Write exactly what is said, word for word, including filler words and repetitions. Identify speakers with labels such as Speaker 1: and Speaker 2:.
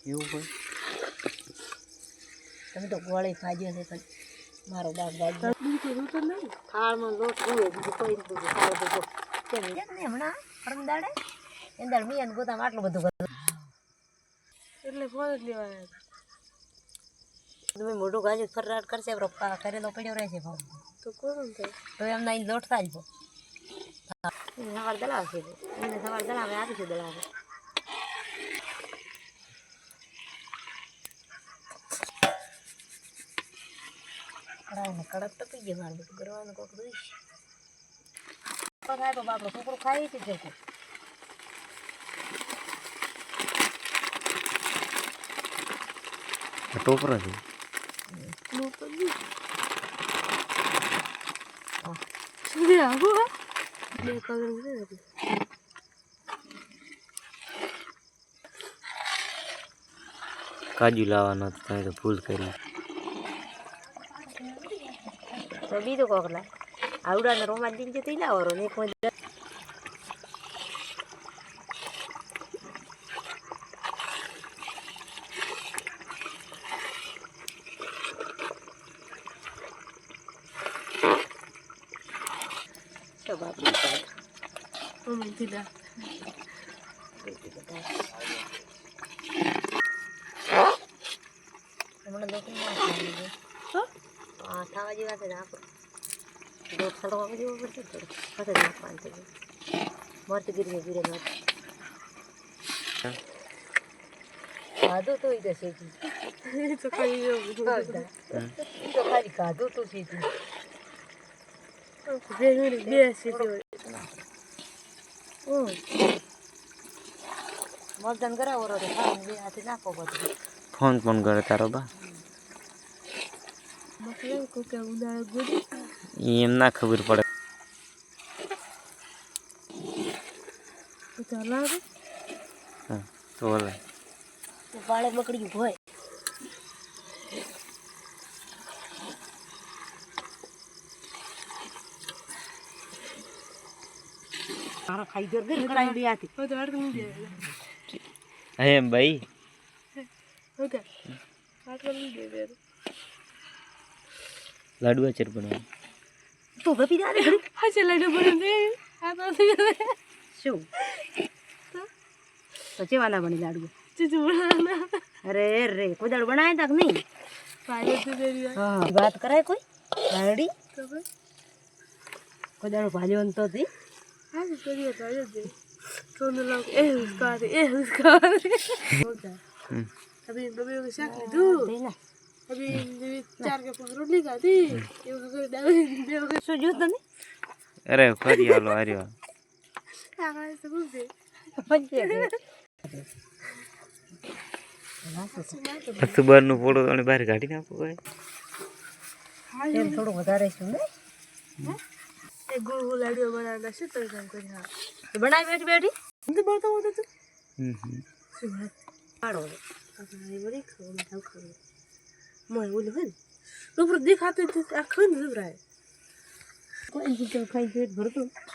Speaker 1: એવું હોય
Speaker 2: તમે તો ગોળી ખાજો ને પણ મારો બાપ દાદા બીજું તો નહીં થાળમાં લોટ હોય બીજું કોઈ બધું થાળ બધું કેમ ને હમણાં પરમ દાડે એંદાડ મિયાન ગોતામાં આટલું બધું કરું એટલે ફોન જ લેવાય તમે મોટું ગાજુ ફરરાટ કરશે પપ્પા કરેલો પડ્યો રહેશે ભાવ તો કોણ થાય તો એમના અહીં લોટ થાય છે સવાર દલાવશે એને સવાર દલાવે આપીશું દલાવે કડાઈને કડક ટપી ગયો મારે બધું કરવાનું કોક દઈશ થાય તો બાપડો છોકરો ખાઈ છે છે
Speaker 1: ટોપરા છે કાજુ લાવવાનો તમે તો ભૂલ કરી
Speaker 2: તો બીજું કોકલા આવડાને રોમાન દિન જતી લાવો ને કોઈ બાપ દીધા હમણાં દોકરી હા થવા જેવા છે નાખો દોઢ સડવા જેવું પડશે થોડું પછી નાખવાનું છે મરચ ગીરી ગીરે મરચ ખાધું તો એ શેકી તો ખાલી તો ખાલી ખાધું તો શેકી બે શેકી મતદાન કરાવો રો બે હાથે નાખો બધું
Speaker 1: ફોન ફોન કરે તારો બા એમ ના ખબર પડે હા તો ઓલે
Speaker 2: પાળે બકડી હોય મારા ખાઈ જર ગઈ કડાઈ બે આથી તો અડક નહીં દે
Speaker 1: હે ભાઈ
Speaker 2: ઓકે અડક નહીં દે
Speaker 1: લાડવા ચર બનાવ
Speaker 2: તો ગપી દે ઘડી હા છે લાડુ બને આ તો શું તો ચેવાના બની લાડુ ચીચુ બનાના અરે રે કોઈ દાડ બનાયા તક નહીં પાયે તો દેરી હા વાત કરાય કોઈ ગાડી તો કોઈ દાડ ભાલ્યો તો થી હા કરી તો દે તો ન લોગ એ ઉસકા દે એ ઉસકા હમ અભી બબે को शाक ले दू देना अभी चार के पांच रोटली खाती ये वगैरह डाल दे वगैरह सो जो तने
Speaker 1: अरे फरी आलो आर्यो
Speaker 2: आगा से गुजे पंचे
Speaker 1: સુબર નું ફોટો અને બહાર કાઢી નાખો ભાઈ
Speaker 2: એમ થોડું વધારે છે ને એ ગોળ ગોળ લાડુ બનાવતા છે તો કામ કરી હા એ બનાવી બેઠી બેઠી હું તો બોલતો હોતો તું હમ હમ શું પાડો આપણે બરી ખાવ ખાવ ખાવ મોય બોલ હે ઉપર દેખાતે આ ખન જબરાય કોઈ તો ખાઈ પેટ ભરતો